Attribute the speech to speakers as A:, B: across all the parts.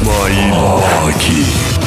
A: İsmail Baki.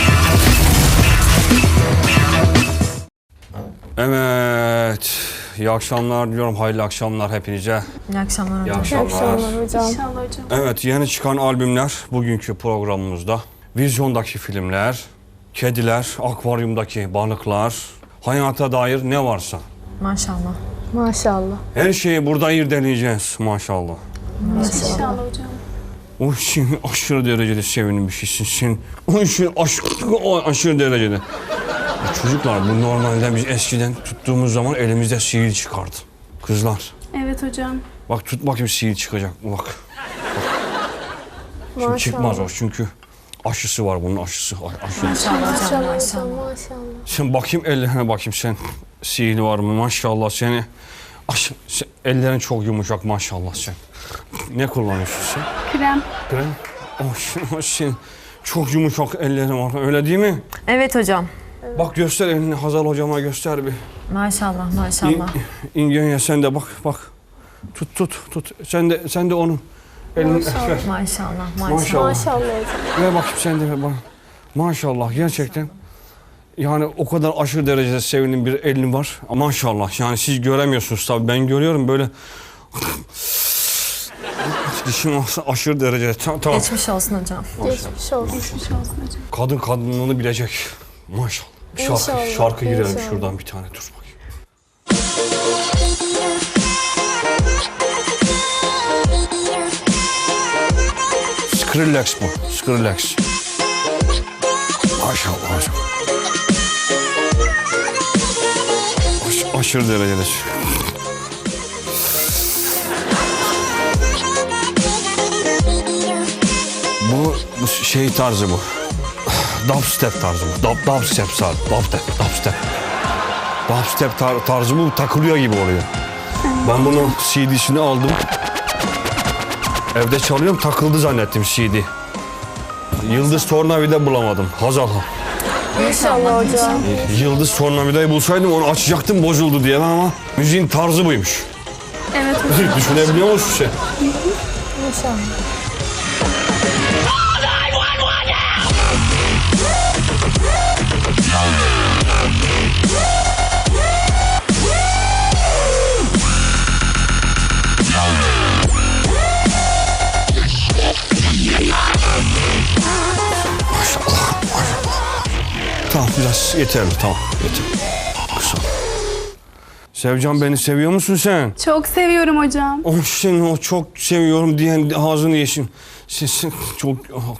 A: Evet. İyi akşamlar diliyorum. Hayırlı akşamlar hepinize.
B: İyi akşamlar hocam.
A: İyi akşamlar.
C: hocam.
D: İnşallah hocam.
A: Evet, yeni çıkan albümler bugünkü programımızda. Vizyondaki filmler, kediler, akvaryumdaki balıklar, hayata dair ne varsa.
B: Maşallah.
C: Maşallah.
A: Her şeyi burada irdeleyeceğiz maşallah.
D: İnşallah hocam.
A: O için aşırı derecede sevinmişsin sen. O için aşırı derecede. Çocuklar bu normalde biz eskiden tuttuğumuz zaman elimizde sihir çıkardı. Kızlar
D: Evet hocam.
A: bak tut bakayım sihir çıkacak mı bak. Şimdi
C: Maşallah.
A: çıkmaz o çünkü aşısı var bunun aşısı. Aşı.
B: Maşallah hocam.
C: Maşallah
B: Maşallah.
C: hocam maşallah.
A: Sen bakayım ellerine bakayım sen. Sihiri var mı maşallah seni. Ellerin çok yumuşak maşallah sen. Ne kullanıyorsun sen?
D: Krem.
A: Krem. Sen çok yumuşak ellerin var öyle değil mi?
B: Evet hocam.
A: Bak göster elini Hazal hocama göster bir.
B: Maşallah maşallah.
A: İngenya sen de bak. Tut. Sen de onun elini ver.
B: Maşallah maşallah.
A: Maşallah.
C: Maşallah hocam.
A: Ver bakayım sen de ver bana. Maşallah gerçekten. Yani o kadar aşırı derecede sevindiğim bir elin var. Maşallah yani siz göremiyorsunuz tabii ben görüyorum böyle. Dişim aşırı derecede. Tamam.
B: Geçmiş olsun hocam.
C: Geçmiş olsun.
D: Geçmiş olsun hocam.
A: Kadın kadınlığını bilecek. Maşallah.
C: İnşallah,
A: Şarkı girelim
C: inşallah.
A: şuradan bir tane dur bakayım. Skrillex bu. Skrillex. Maşallah hocam. Aşırı derecede. Bu şey tarzı bu. Dubstep tarzı bu. Dubstep tarzı. Dubstep tarzı bu takılıyor gibi oluyor. Ben bunun CD'sini aldım. Evde çalıyorum takıldı zannettim CD. Yıldız Tornavida bulamadım. Hazal.
C: İnşallah hocam.
A: Yıldız Tornavida'yı bulsaydım onu açacaktım bozuldu diye ama müziğin tarzı buymuş.
D: Evet hocam.
A: Düşünebiliyor musun sen?
C: İnşallah.
A: Tamam biraz yeterli tamam yeter. Kısa. Sevcan beni seviyor musun sen?
D: Çok seviyorum hocam.
A: O seni o çok seviyorum diyen ağzını yesin. Sesin çok...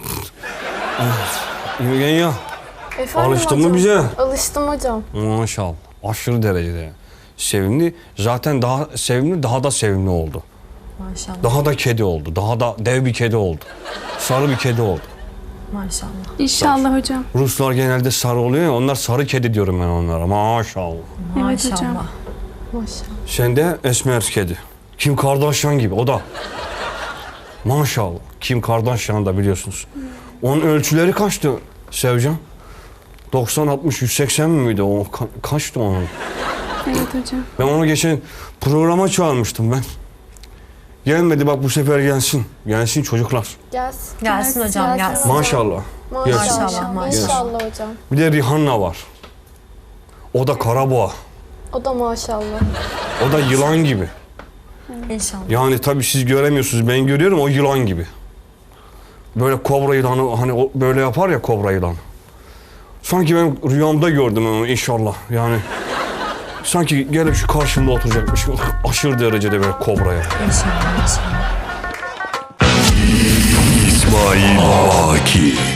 A: Evgenya
C: Efendim
A: alıştın
C: hocam?
A: mı bize?
C: Alıştım hocam.
A: Maşallah aşırı derecede sevimli. Zaten daha sevimli daha da sevimli oldu.
B: Maşallah.
A: Daha da kedi oldu. Daha da dev bir kedi oldu. Sarı bir kedi oldu.
B: Maşallah.
D: İnşallah hocam.
A: Ruslar genelde sarı oluyor ya onlar sarı kedi diyorum ben onlara. Maşallah.
D: Evet hocam.
B: Maşallah.
C: Maşallah.
A: Sen de esmer kedi. Kim Kardashian gibi o da. Maşallah. Kim Kardashian da biliyorsunuz. Onun ölçüleri kaçtı Sevcan? 90, 60, 180 miydi o? Kaçtı onun?
D: Evet hocam.
A: Ben onu geçen programa çağırmıştım ben. Gelmedi bak bu sefer gelsin. Gelsin çocuklar.
C: Gelsin.
B: Gelsin hocam gelsin.
A: Maşallah. Gelsin.
B: Maşallah, maşallah.
C: İnşallah hocam.
A: Bir de Rihanna var. O da karaboğa.
C: O da maşallah.
A: O da yılan gibi.
B: İnşallah.
A: Yani tabii siz göremiyorsunuz. Ben görüyorum o yılan gibi. Böyle kobra yılanı hani o böyle yapar ya kobra yılanı. Sanki ben rüyamda gördüm onu inşallah. Yani sanki gelip şu karşımda oturacakmış. Aşırı derecede böyle kobraya.
B: İnşallah. İnşallah.
A: İsmail Baki.